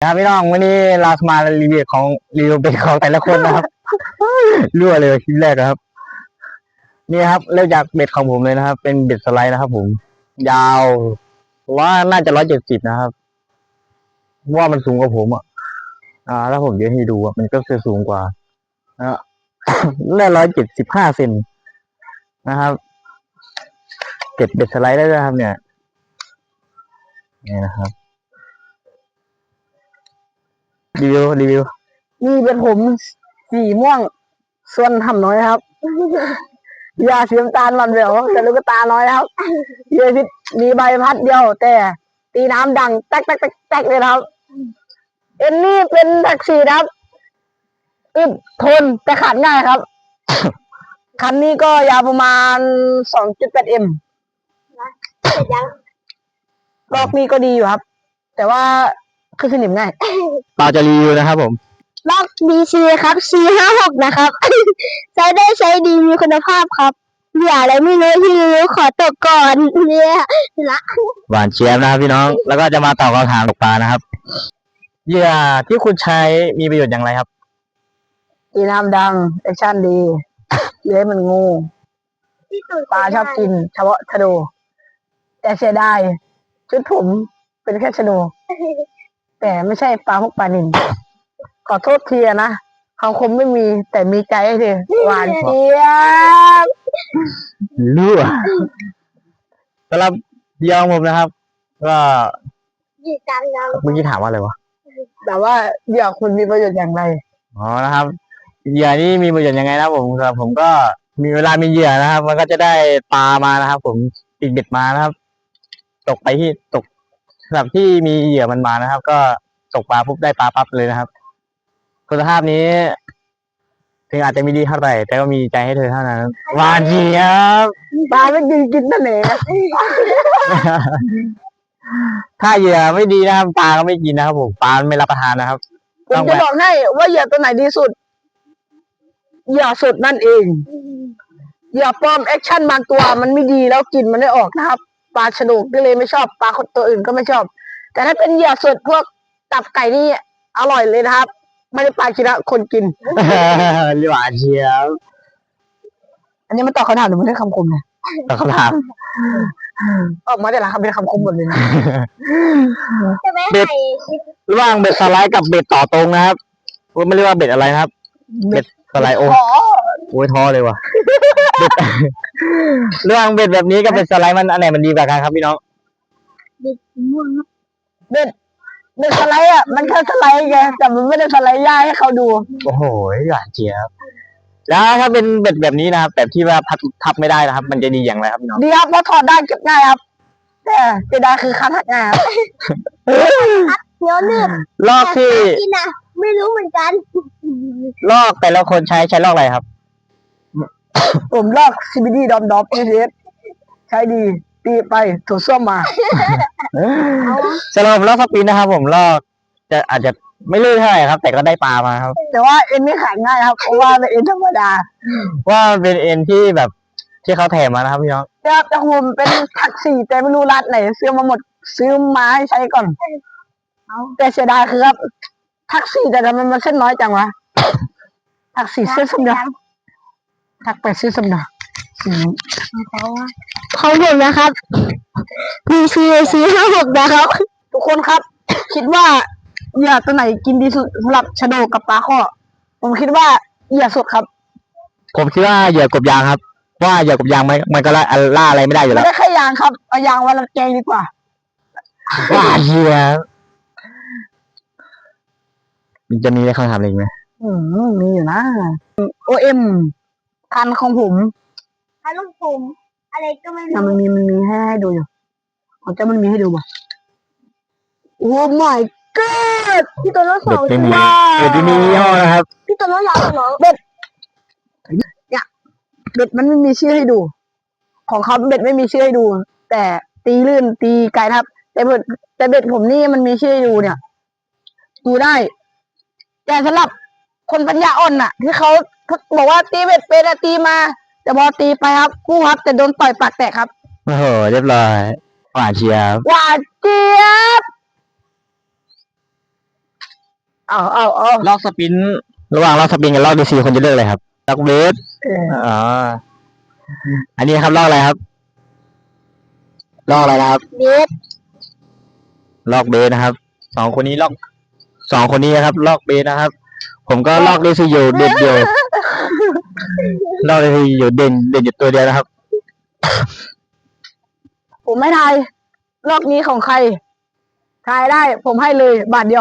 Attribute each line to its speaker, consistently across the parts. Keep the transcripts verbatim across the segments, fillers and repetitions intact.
Speaker 1: ครับพี่น้องวันนี้เรามารีวิวของรีวิวเป็นของแต่ละคนนะครับรั่วเลยคลิปแรกนะครับนี่ครับเริ่มจากเบ็ดของผมเลยนะครับเป็นเบ็ดสไลด์นะครับผมยาวว่าน่าจะร้อยเจ็ดสิบนะครับว่ามันสูงกว่าผมอ่ะอ่าแล้วผมเดี๋ยวให้ดูอ่ะมันก็จะสูงกว่านะได้ร้อยเจ็ดสิบห้าเซนนะครับเก็บเบ็ดสไลด์ได้ด้วยครับเนี่ยนี่นะครับรีวิวรีวิว
Speaker 2: นี่เป็นผมสีม่วงส่วนทำน้อยครับยาสีน้ำตาลมันเดียวแต่ลูกตาน้อยครับเยอะพิษมีใบพัดเดียวแต่ตีน้ำดังแตกแตกแตกแตกเลยครับเอ็นนี่เป็นแท็กซี่ครับอึดทนแต่ขาดง่ายครับ คันนี้ก็ยาวประมาณ สองจุดแปด เอ็มเสร็จยังรอบนี้ก็ดีอยู่ครับแต่ว่าคือสนิมง่าย
Speaker 1: เปล่าจะรีวิวนะครับผม
Speaker 2: ลอก บี ซี ครับ ซี ห้าหก นะครับ ใช้ได้ใช้ดีมีคุณภาพครับอย่าอะไรไม่รู้ที่รู้ขอตกก่อนเนี่ยละ
Speaker 1: หวานเชียบนะครับพี่น้องแล้วก็จะมาตอบคำถามตกปลานะครับเหยื่อที่คุณใช้มีประโยชน์อย่างไรครับ
Speaker 2: ตีน้ำดังแอคชั่นดีเลื้อยมันงูปลาชอบกินเฉพาะชะโดแต่เสียดายชุดผมเป็นแค่ชะโดแต่ไม่ใช่ปลาพวกปลานิลขอโทษทีนะคำคมไม่มีแต่มีใจให้เธอหวานเจี๊ยบ
Speaker 1: รั่วสำหรับเหยื่อของผมนะครับก็เมื่อกี้ถามว่าอะไรวะ
Speaker 2: แต่ว่าเหยื่อคุณมีประโยชน์อย่างไร
Speaker 1: อ๋อนะครับเหยื่อนี่มีประโยชน์ยังไงนะผมครับผมก็มีเวลามีเหยื่อนะครับมันก็จะได้ปลามานะครับผมติดเบ็ดมานะครับตกไปที่ตกสำหรับที่มีเหยื่อมันมานะครับก็ตกปลาปุ๊บได้ปลาปั๊บเลยนะครับคุณภาพนี้ถึงอาจจะไม่ดีเท่าไหร่แต่ก็มีใจให้เธอเท่านั้นหวานเจี๊ยบ
Speaker 2: ปลาไม่กินกินนั่นเอง
Speaker 1: ถ้าเหยื่อไม่ดีนะครับปลาก็ไม่กินนะครับผมปลาไม่รับประทานนะครับ
Speaker 2: ผมจะบอกให้ว่าเหยื่อตัวไหนดีสุดเหยื่อสดนั่นเองเหยื่อปลอมแอคชั่นบางตัวมันไม่ดีแล้วกลิ่นมันไม่ออกนะครับปลาฉลกก็เลยไม่ชอบปลาตัวอื่นก็ไม่ชอบแต่ถ้าเป็นเหยื่อสดพวกตับไก่นี่อร่อยเลยนะครับไม่ได้ปลากินละคนกิน
Speaker 1: หวานเชียว
Speaker 2: อันนี้มันตอบคำถามหรือมันได้คำคมเนี่ย
Speaker 1: ตอบคำถาม
Speaker 2: ออกมาแต่ละคำเป็นคำคมหมดเลยนะ
Speaker 1: เบ็ดระหว่างเบ็ดสไลด์กับเบ็ดต่อตรงนะครับไม่เรียกว่าเบ็ดอะไรนะครับเบ็ดสไลด์โอ้โหท้อเลยว่ะเรื่องเบ็ดแบบนี้กับเบ็ดสไลด์มันอันไหนมันดีกว่ากันครับพี่น้อง
Speaker 2: เบ็ดม่วงเบ็ดเบ็ดสไลด์อ่ะมันแค่สไลด์ไงแต่มันไม่ได้สไลด์ย่าให้เขาดู
Speaker 1: โอ้โหหวานเจี๊ยบแล้วถ้าเป็นเบ็ดแบบนี้นะครับแบบที่ว่าพับทับไม่ได้นะครับมันจะดีอย่างไรครับพี่น้อง
Speaker 2: ดีครับเพราะถอดได้เก็บง่ายครับแต่เสียดายคือคันหักง่ายครับเนื้อเนื้อ
Speaker 1: ลอกที่
Speaker 2: ไม่รู้เหมือนกัน
Speaker 1: ลอกแต่ละคนใช้ใช้ลอกอะไรครับ
Speaker 2: ผมลอก ซี บี ดี ดอมดอม เอ เอส ใช้ดีตีไปถูส้วมมา
Speaker 1: สำหรับลอกสปินนะครับผมลอกจะอาจจะไม่ลื่นเท่าไหร่ครับแต่ก็ได้ปลามาครับ
Speaker 2: แต่ว่าเอ็นไม่ขาดง่ายครับเพราะว่าเป็นเอ็นธรรมดา
Speaker 1: ว่าเป็นเอ็นที่แบบที่เขาแถมมานะครับพี่น้อง
Speaker 2: ครับแต่ผมเป็นทักซี่แต่ไม่รู้ร้านไหนซื้อมาหมดซื้อมาให้ใช้ก่อนแต่เสียดายคือครับทักซี่แต่ทำไมมันเส้นน้อยจังวะทักซี่เส้นสมดังทักไปซื้อสมดังเขาเห็นนะครับมีซีซีห้าหกนะครับทุกคนครับคิดว่าเหยื่อตัวไหนกินดีสุดสำหรับชะโดกับปลาข้อผมคิดว่าเหยื่อสดครับ
Speaker 1: ผมคิดว่าเหยื่อกบยางครับว่าเหยื่อกบยางมันมันก็ล่าล่าอะไรไม่ได้อยู่แล้ว
Speaker 2: ไม่ได้แค่ยางครับเอายางวันละแกงดีกว่า
Speaker 1: ว่าเหยื่อมันจะมีอะไรคำถามอะไรอีกไหม
Speaker 2: อืมมีอยู่นะโอเอ็มคันของผมคันของผมอะไรก็ไม่รู้มันมีมันมีให้ให้ดูอยู่ของเจ้ามันมีให้ดูป่ะโอ้ my god พี่ตัวน้องสอง
Speaker 1: ตัวเบ็ดที่มียี่ห้อนะครับ
Speaker 2: พี่ตัวน้องสองเหรอเบ็ดเนี่ยเบ็ดมันไม่มีชื่อให้ดูของเขาเบ็ดไม่มีชื่อให้ดูแต่ตีลื่นตีไกลครับแต่เบ็ดแต่เบ็ดผมนี่มันมีชื่อให้ดูเนี่ยดูได้แต่สำหรับคนปัญญาอ่อนน่ะที่เขาบอกว่าตีเบ็ดเป็นตีมาแต่พอตีไปครับกู้ครับแต่โดนต่อยปากแตกครับ
Speaker 1: โอ้โหเรียบร้อยหวานเจี๊ยบ
Speaker 2: หวานเจี๊ยบเอาเอาเอา
Speaker 1: ลอกสปินระหว่างลอกสปินกับลอกดีซีคนจะเลือกอะไรครับลอกเบส
Speaker 2: เออ
Speaker 1: อ๋ออันนี้ครับลอกอะไรครับลอกอะไรนะครับ
Speaker 2: เบส
Speaker 1: ลอกเบสนะครับสองคนนี้ลอกสองคนนี้นะครับ ลอกเบสนะครับ ผมก็ลอกดีซีอยู่เด่นเดียวลอกดีซีอยู่เด่นเด่นอยู่ตัวเดียวนะครับ
Speaker 2: ผมไม่ทายรอบนี้ของใครทายได้ ผมให้เลยบาทเดียว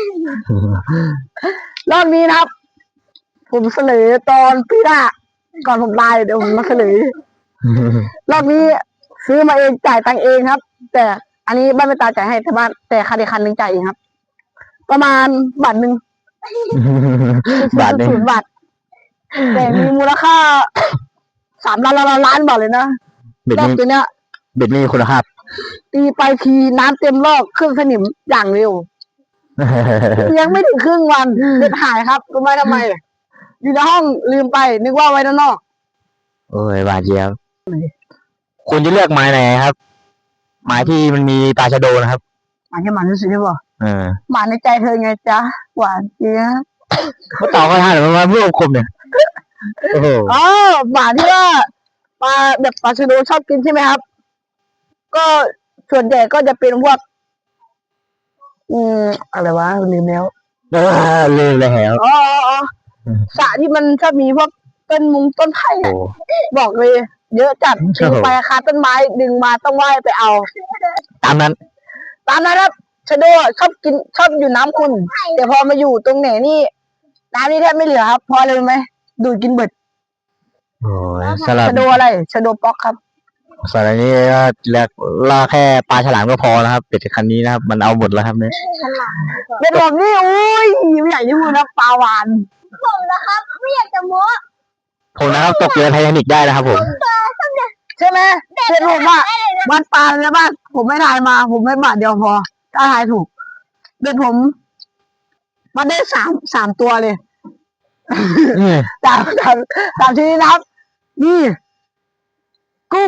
Speaker 2: รอบนี้นะครับ ผมเสนอตอนพี่หน้าก่อนผมตายเดี๋ยวผมมาเสนอรอบนี้ซื้อมาเองจ่ายตังค์เองครับ แต่อันนี้บ้านไม่ตาจ่ายให้แต่บ้านแต่คันอีกคันหนึ่งจ่ายเองครับ ประมาณบาทหนึ่ง
Speaker 1: บาทหนึ่ง
Speaker 2: ศูนย์บาทแต่มีมูลค่าสามล้านล้านล้านบาทเลยนะ
Speaker 1: เบ็ด
Speaker 2: รอบ
Speaker 1: นี้
Speaker 2: ตัวเนี้ย
Speaker 1: เบ็ดนี้มีคุณภาพ
Speaker 2: ตีไปทีน้ำเต็มรอบเครื่องสนิมอย่างเร็ว ยังไม่ถึงครึ่งวันเด็ดหายครับรู้ไหมทำไม อยู่ในห้องลืมไป นึกว่าไว้ด้านนอก
Speaker 1: โอ้ยบาดเจ็บคุณจะเลือกไม้ไหนครับ ไม้ที่มันมีตาชะโดนะครับ
Speaker 2: หมาแค่หมาที่สุดใช่ป่ะ
Speaker 1: เออ
Speaker 2: หมาในใจเธอไงจ๊ะ หวานเจี๊ยบ
Speaker 1: เขาตอบเขาท่าหรือว่าเพื่อคมเนี่ยโอ้โห
Speaker 2: อ๋อหมาที่ว่าปลาแบบปลาชะโดชอบกินใช่ไหมครับ ก็ส่วนใหญ่ก็จะเป็นพวก อืมอะไรวะลืมแล้ว
Speaker 1: เออลืมเลยแล้ว
Speaker 2: อ๋ออ๋ออ๋อสระที่มันชอบมีพวกต้นมุงต้นไผ่
Speaker 1: โอ้
Speaker 2: อะบอกเลย เยอะจัด
Speaker 1: โอ้
Speaker 2: ดึง
Speaker 1: โห
Speaker 2: ไปคาต้นไม้ดึงมาต้องว่ายไปเอา
Speaker 1: ตามนั้น
Speaker 2: ตามนั้นครับชะโดชอบกินชอบอยู่น้ำคุณแต่พอมาอยู่ตรงไหนนี่น้ำนี่แทบไม่เหลือครับเพราะอะไรรู้ไหมดูดกินเบิด
Speaker 1: โอ้ยสำหรับ
Speaker 2: ชะโดอะไรชะโดป๊อกครับ
Speaker 1: สำหรับนี้ก็เลือกล่าแค่ปลาฉลามก็พอนะครับเป็ดคันนี้นะครับ มันเอาหมดแล้วครับเนี่ย
Speaker 2: เป็นผมนี่อุ้ยไม่อยากจะพูดนะปลาหวาน
Speaker 3: ผมนะครับ ไม่อยากจะโม้
Speaker 1: ผมนะครับตกเรือไททานิกได้นะครับผม
Speaker 2: ใช่ไหมเป็นผมอะวันปลาเลยบ้านผมไม่ทายมา ผมไม่บาทเดียวพอถ้าทายถูกเป็นผมมันได้สามสามตัวเลย
Speaker 1: อืม
Speaker 2: สามสามสามชนิดนะครับ นี่ กุ้ง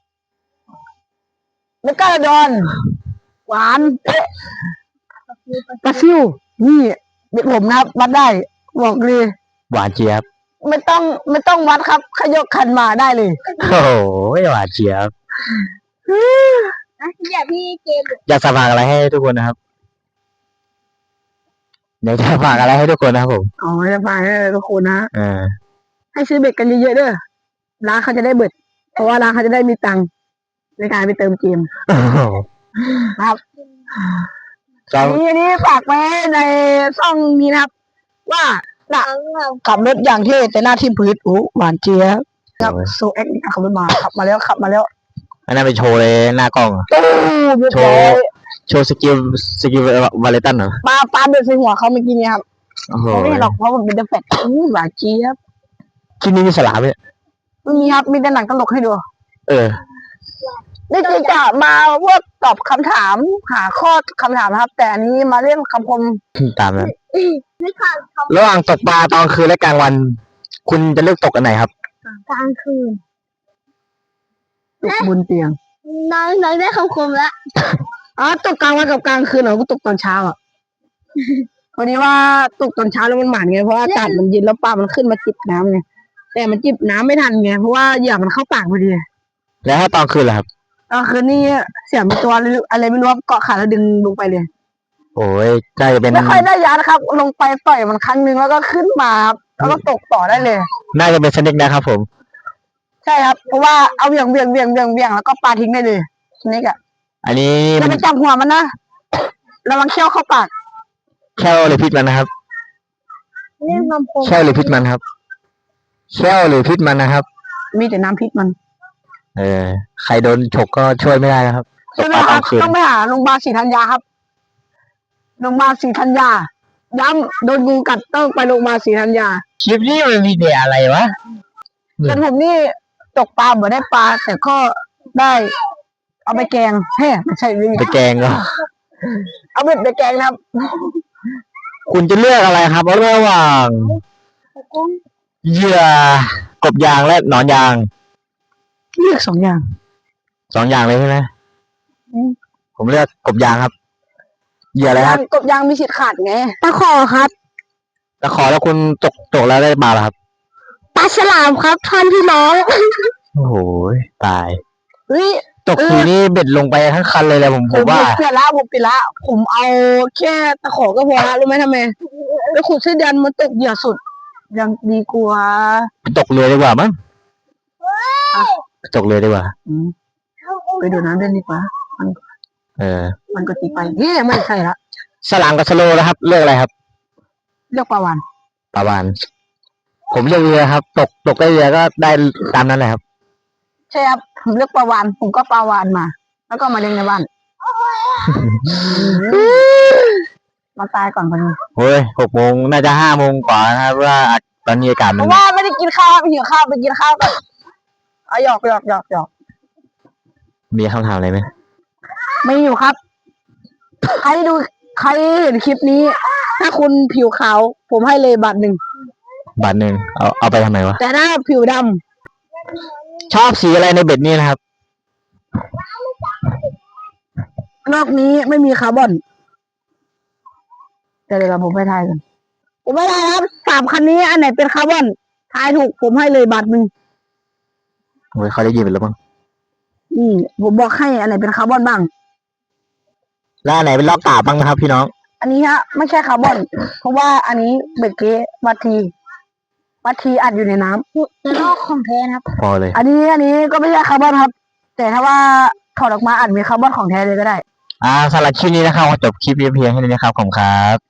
Speaker 2: เมกาดอน หวานเอ๊ะปลาซิวนี่เป็นผมนะครับวัดได้ บอกเลย
Speaker 1: หวานเจี๊ยบ
Speaker 2: ไม่ต้องไม่ต้องวัดครับขยกคันมาได้เลย
Speaker 1: โอ้โหหวานเจี๊ยบ
Speaker 3: นะอย่าพี่เกม
Speaker 1: อยากฝากอะไรให้ทุกคนนะครับเดี๋ยวจะฝากอะไรให้ทุกคนนะครับผม
Speaker 2: อ๋อจะฝากให้ทุกคนนะ
Speaker 1: เออ
Speaker 2: ให้ซื้อเบ็ดกันเยอะๆเด้อร้านเขาจะได้เบิด เพราะว่าร้านเขาจะได้มีตังค์ในการไปเติมเกม
Speaker 1: โอ้โห
Speaker 2: ครับ
Speaker 1: ครั
Speaker 2: อั
Speaker 1: บ
Speaker 2: นนี้อันนี้ฝากไว้ในช่องนี้นะครับ ว่าน่ะ
Speaker 3: ทั้งเรา
Speaker 2: ขับรถอย่างเท่แต่หน้าที่พื้นโอ้หวานเจี๊ยบครับโซเอ็กซ์ขับรถมาขับมาแล้วขับมาแล้ว
Speaker 1: อันนั้นไปโชว์เลยหน้ากล้องอะ
Speaker 2: ตู้เรียบ
Speaker 1: โช
Speaker 2: ร้อ
Speaker 1: ว์
Speaker 2: ย
Speaker 1: โชว์สกิลสกิลวาเลตันเหรอ
Speaker 2: ปลาปลาเดือดใส่หัวเขาเมื่อกี้เนี่ยครับ
Speaker 1: โอ้โห
Speaker 2: เขาไม่เห็นหรอกเพราะผมเป็นเดอะแฟตอู้หวานเจี๊ยบ
Speaker 1: คลิปนี้มีสลามเนี่ย
Speaker 2: ไม่มีครับมีแต่หนังตลกให้ดู
Speaker 1: เออ
Speaker 2: นี่คือจะมาพวกตอบคำถามหาข้อคำถามนะครับ แต่อันนี้มาเล่นคำคม
Speaker 1: ตามนั้น
Speaker 3: ไม่ขาดค
Speaker 1: ระหว่างตกปลาตอนคืนและกลางวัน คุณจะเลือกตกอันไหนครับ
Speaker 3: ำกลางคืน
Speaker 2: ตกบนเตียง
Speaker 3: น้องน้องได้คำคมแล้ว
Speaker 2: อ๋อตกกลางวันกับกลางคืนเหรอกูตกตอนเช้าอ่ะ พอดีว่าตกตอนเช้าแล้วมันหมานไงเพราะว่าอากาศมันเย็นแล้วปลามันขึ้นมาจิบน้ำไงแต่มันจิบน้ำไม่ทันไงเพราะว่าเหยื่อมันเข้าปากพอดี
Speaker 1: แล้วถ้าตอนคืนล่ะครับ
Speaker 2: ตอนคืนนี่เสียงมีตัวอะไรไม่รู้ครับเกาะขาแล้วดึงลงไปเลย
Speaker 1: โอ้ยน่าจะเป็น
Speaker 2: ไม่ค่อยได้ยานะครับ ลงไปปล่อยมันครั้งหนึ่งแล้วก็ขึ้นมาครับแล้วก็ตกต่อได้เลย
Speaker 1: น่าจะเป็นสเน็กนะครับผม
Speaker 2: ใช่ครับ เพราะว่าเอาเบี่ยงเบี่ยงเบี่ยงเบี่ยงเบี่ยงแล้วก็ปาทิ้งได้เลยนี่กะ
Speaker 1: อันนี้
Speaker 2: อย่า
Speaker 1: มัน
Speaker 2: ไปจับหัวมันนะระวังเขี้ยวเข้าปาก
Speaker 1: แค่วหรือพิษมันนะครับ
Speaker 3: เล่นคำคม
Speaker 1: แค่วหรือพิษมันครับแค่วหรือพิษมันนะครับ
Speaker 2: มีแต่น้ำพิษมัน
Speaker 1: เออ ใครโดนฉกก็ช่วยไม่ได้นะครับต
Speaker 2: ใช่
Speaker 1: ก
Speaker 2: ไหม
Speaker 1: ปลา
Speaker 2: ค
Speaker 1: ต
Speaker 2: รั
Speaker 1: อบ นคืน
Speaker 2: ต้องไปหาโรงพยาบาลศรีธัญญาครับโรงพยาบาลศรีธัญญาย้ำโดนงูกัดต้องไปโรงพยาบาลศรีธัญญา
Speaker 1: คลิปนี้มันมีแต่อะไรวะ
Speaker 2: แต่ผมนี่ตกปลาบ่ได้ปลาแต่ก็ได้ เอาไปแกงแฮ่ไม่ใช่วิ่ง
Speaker 1: ไปแกงก็
Speaker 2: เอาเบ็ดไปแกงนะครับ
Speaker 1: คุณจะเลือกอะไรครับระหว่าง
Speaker 3: กุ้ง
Speaker 1: เหยื่อกบยางและหนอนยาง
Speaker 2: เลือกสองอย่าง
Speaker 1: สองอย่างเลยใช่ไหม
Speaker 2: อืม
Speaker 1: ผมเลือกกบยางครับเหยื่ออะไรครับ
Speaker 2: กบยางมีสิทธิ์ขาดไง
Speaker 3: ตะขอครับ
Speaker 1: ตะขอแล้วคุณตกตกแล้วได้ปลาเหรอครับ
Speaker 3: ปลาฉลามครับท่านพี่น้อง
Speaker 1: โอ้โหตาย
Speaker 2: เฮ้ย
Speaker 1: ตกทีนี่เบ็ดลงไปทั้งคันเลยแหละผม
Speaker 2: ผ
Speaker 1: ผม
Speaker 2: ม
Speaker 1: ว่า
Speaker 2: เปลี่ยนละผมเปลี่ยนละผมเอาแค่ตะขอก็พอละรู้ไหมทำไมไปขุดเส้นเดือนมันตกเหยื่อสุด ยังดีกว่า
Speaker 1: ตกเรือดีกว่ามั้งตกเรือดีกว่า
Speaker 2: อืมไปดูน้ำเล่นดีกว่า
Speaker 1: เออ
Speaker 2: มันก็ตีไปเฮ้ยไม่ใช่ละ
Speaker 1: สลามกับสโลว์นะครับ เลือกอะไรครับ
Speaker 2: เรียกปลาวาน
Speaker 1: ปลาวานผมเลือกเรือครับ ตกตกได้เรือก็ได้ตามนั้นแหละครับ
Speaker 2: ใช่ครับผมเลือกปลาวานผมก็ปลาวานมา แล้วก็มาเลี้ยงในบ้านมาตายก่อนพอดี
Speaker 1: เฮ้ยหกโมงน่าจะห้าโมงกว่านะครับว่าตอนนี้อากาศ
Speaker 2: เพ
Speaker 1: มัน
Speaker 2: ราะว่าไม่ได้กินข้าวไปหิวข้าวไปกินข้าวก่อนเอาหยอกหยอกหยอกหยอก
Speaker 1: มีคำถามอะไรไหม
Speaker 2: ไม่อยู่ครับ ใครดูใครเห็นคลิปนี้ ถ้าคุณผิวขาว ผมให้เลยบาทหนึ่ง
Speaker 1: บาทหนึ่งเอาเอาไปทำไมวะ
Speaker 2: แต่ถ้าผิวด
Speaker 1: ชอบสีอะไรในเบ็ดนี้นะครับ
Speaker 2: ำนอกนี้ไม่มีคาร์บอนแต่เดี๋ยวเราผมไปทายกันผมไม่ทายครับสามคันนี้อันไหนเป็นคาร์บอนทายถูกผมให้เลยบาทหนึ่ง
Speaker 1: โอ้ยเขาได้ยินไปแล้วมั้ง
Speaker 2: นี่ผมบอกให้อันไหนเป็นคาร์บอนบ้าง
Speaker 1: แล้วอันไหนเป็นล็อกกาบบ้างนะครับ พี่น้อง
Speaker 2: อันนี้ฮะไม่ใช่คาร์บอน เพราะว่าอันนี้เบรกเกวัตทีวัตทีอัดอยู่ในน้ำ
Speaker 3: แต่ลอกของแท้นะครับ
Speaker 1: พอเลย
Speaker 2: อันนี้อันนี้ก็ไม่ใช่คาร์บอนครับ แต่ถ้าว่าถอดออกมาอาจมีคาร์บอนของแท้เลยก็ได้
Speaker 1: อ่าสำหรับคลิปนี้นะครับขอจบคลิปเพียงแค่นี้นะครับขอบคุณครับ